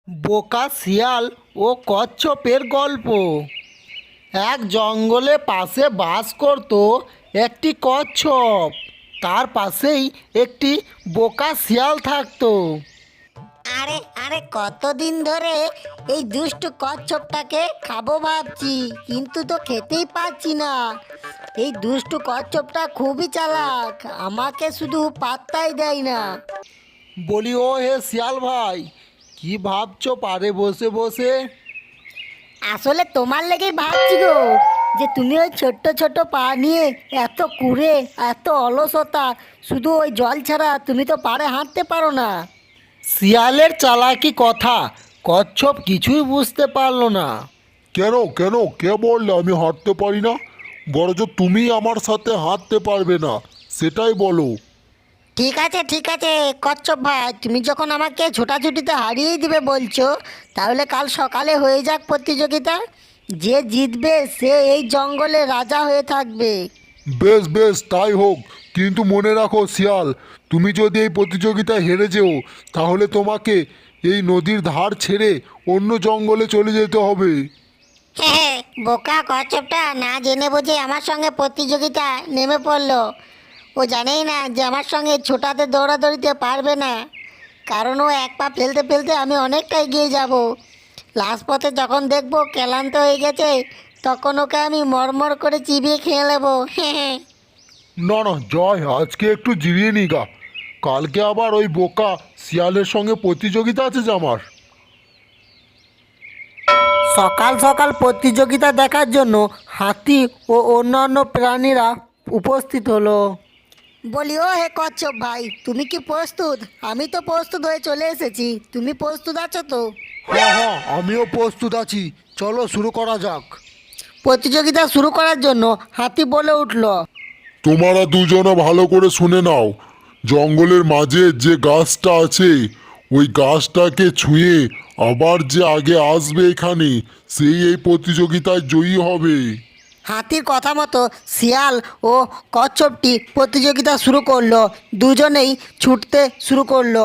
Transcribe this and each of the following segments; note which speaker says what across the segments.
Speaker 1: বোকা শিয়াল ও কচ্ছপের গল্প। এক জঙ্গলে পাশে বাস করত একটি কচ্ছপ। তার পাশেই একটি বোকা শিয়াল থাকতো।
Speaker 2: আরে আরে কতদিন ধরে এই দুষ্টু কচ্ছপটাকে খাবো ভাবছি, কিন্তু তো খেতেই পাচ্ছি না। এই দুষ্টু কচ্ছপটা খুবই চালাক, আমাকে শুধু পাত্তাই দেয় না।
Speaker 1: বলি, ও হে শিয়াল ভাই, কি ভাবছো পারে বসে বসে?
Speaker 2: আসলে তোমার লেগেই ভাবছি গো, যে তুমি ওই ছোট্ট ছোট্ট পা নিয়ে এত কুড়ে, এত অলসতা, শুধু ওই জল ছাড়া তুমি তো পাড়ে হাঁটতে পারো না।
Speaker 1: শিয়ালের চালাকি কথা কচ্ছপ কিছুই বুঝতে পারলো না।
Speaker 3: কেন কেন কে বললে আমি হাঁটতে পারি না? বরঞ্চ তুমি আমার সাথে হাঁটতে পারবে না, সেটাই বলো।
Speaker 2: ঠিক আছে কচ্ছপ ভাই, তুমি যখন আমাকে ছোটাছুটিতে হারিয়েই দিবে বলছো, তাহলে কাল সকালে হয়ে যাক প্রতিযোগিতা। যে জিতবে সে এই জঙ্গলে রাজা হয়ে থাকবে।
Speaker 3: বেশ বেশ, তাই হোক। কিন্তু মনে রাখো শিয়াল, তুমি যদি এই প্রতিযোগিতায় হেরে যেও, তাহলে তোমাকে এই নদীর ধার ছেড়ে অন্য জঙ্গলে চলে যেতে হবে।
Speaker 2: হ্যাঁ, বোকা কচ্ছপটা না জেনে বুঝে আমার সঙ্গে প্রতিযোগিতা নেমে পড়লো। ও জানেই না যে আমার সঙ্গে ছোটাতে দৌড়াদৌড়িতে পারবে না, কারণ ও এক পা ফেলতে ফেলতে আমি অনেকটা এগিয়ে যাব। লাস্ট পথে যখন দেখবো ক্লান্ত হয়ে গেছে, তখন ওকে আমি মরমর করে চিবিয়ে খেয়ে নেবো। হ্যাঁ।
Speaker 3: না না, জয়, আজকে একটু জিরিয়ে নি গা। কালকে আবার ওই বোকা শিয়ালের সঙ্গে প্রতিযোগিতা আছে যে আমার।
Speaker 1: সকাল সকাল প্রতিযোগিতা দেখার জন্য হাতি ও অন্যান্য প্রাণীরা উপস্থিত হলো।
Speaker 2: বলি, ও হে কচ্ছপ ভাই, তুমি কি প্রস্তুত? আমি তো প্রস্তুত হয়ে চলে এসেছি, তুমি প্রস্তুত আছো তো?
Speaker 1: হ্যাঁ হ্যাঁ, আমিও প্রস্তুত আছি, চলো শুরু করা যাক।
Speaker 2: প্রতিযোগিতা শুরু করার জন্য হাতি বলে উঠল।
Speaker 3: তোমরা দুজনে ভালো করে শুনে নাও। জঙ্গলের মাঝে যে গাছটা আছে, ওই গাছটাকে ছুঁয়ে আবার যে আগে আসবে এখানে, সেই এই প্রতিযোগিতায় জয়ী হবে।
Speaker 2: হাতির কথা মতো শিয়াল ও কচ্ছপটি প্রতিযোগিতা শুরু করলো। দুজনেই ছুটতে শুরু করলো।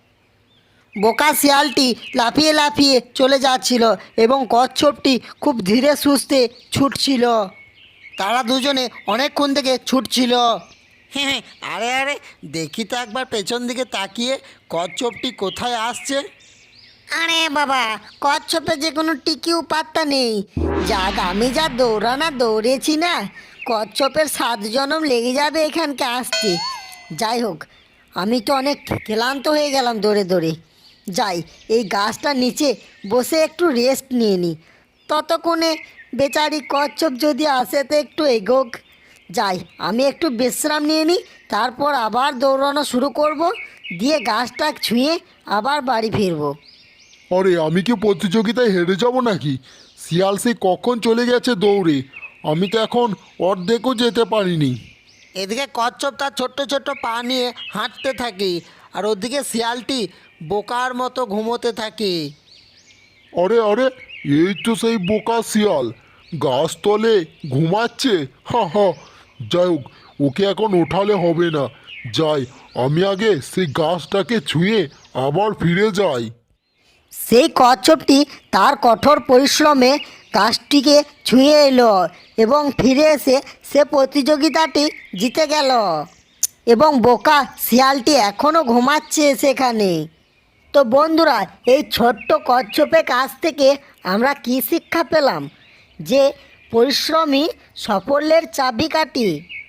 Speaker 2: বোকা শিয়ালটি লাফিয়ে লাফিয়ে চলে যাচ্ছিল এবং কচ্ছপটি খুব ধীরে সুস্থে ছুটছিল।
Speaker 1: তারা দুজনে অনেকক্ষণ থেকে ছুটছিল। হ্যাঁ, আরে আরে, দেখি তো একবার পেছন দিকে তাকিয়ে কচ্ছপটি কোথায় আসছে।
Speaker 2: আরে বাবা, কচ্ছপের যে কোনো টিকিও পাত্তা নেই। আমি যা দৌড়ানা দৌড়েছি না, কচ্ছপের 7 জনম লেগে যাবে এখানকে আসতে। যাই হোক, আমি তো অনেক ক্লান্ত হয়ে গেলাম দৌড়ে দৌড়ে। যাই, এই গাছটার নিচে বসে একটু রেস্ট নিয়ে নিই। ততক্ষণে বেচারি কচ্ছপ যদি আসে তো একটু এগোক। যাই, আমি একটু বিশ্রাম নিয়ে নিই, তারপর আবার দৌড়ানো শুরু করব, দিয়ে গাছটা ছুঁয়ে আবার বাড়ি ফিরবো।
Speaker 3: আরে, আমি কি প্রতিযোগিতায় হেরে যাব নাকি? শিয়াল সেই কখন চলে গেছে দৌড়ে, আমি তো এখন অর্ধেকও যেতে পারিনি।
Speaker 1: এদিকে কচ্ছপ তার ছোট্ট ছোট্ট পা নিয়ে হাঁটতে থাকে, আর ওদিকে শিয়ালটি বোকার মতো ঘুমোতে থাকে।
Speaker 3: আরে আরে, এই তো সেই বোকা শিয়াল গাছতলে ঘুমাচ্ছে। হা হা, যাই হোক, ওকে এখন ওঠালে হবে না। যাই, আমি আগে সেই গাছটাকে ছুঁয়ে আবার ফিরে যাই।
Speaker 2: সেই কচ্ছপটি তার কঠোর পরিশ্রমে গাছটিকে ছুঁয়ে এলো এবং ফিরে এসে সে প্রতিযোগিতাটি জিতে গেল। এবং বোকা শিয়ালটি এখনও ঘুমাচ্ছে সেখানে। তো বন্ধুরা, এই ছোট্ট কচ্ছপের কাছ থেকে আমরা কী শিক্ষা পেলাম? যে পরিশ্রমই সাফল্যের চাবিকাঠি।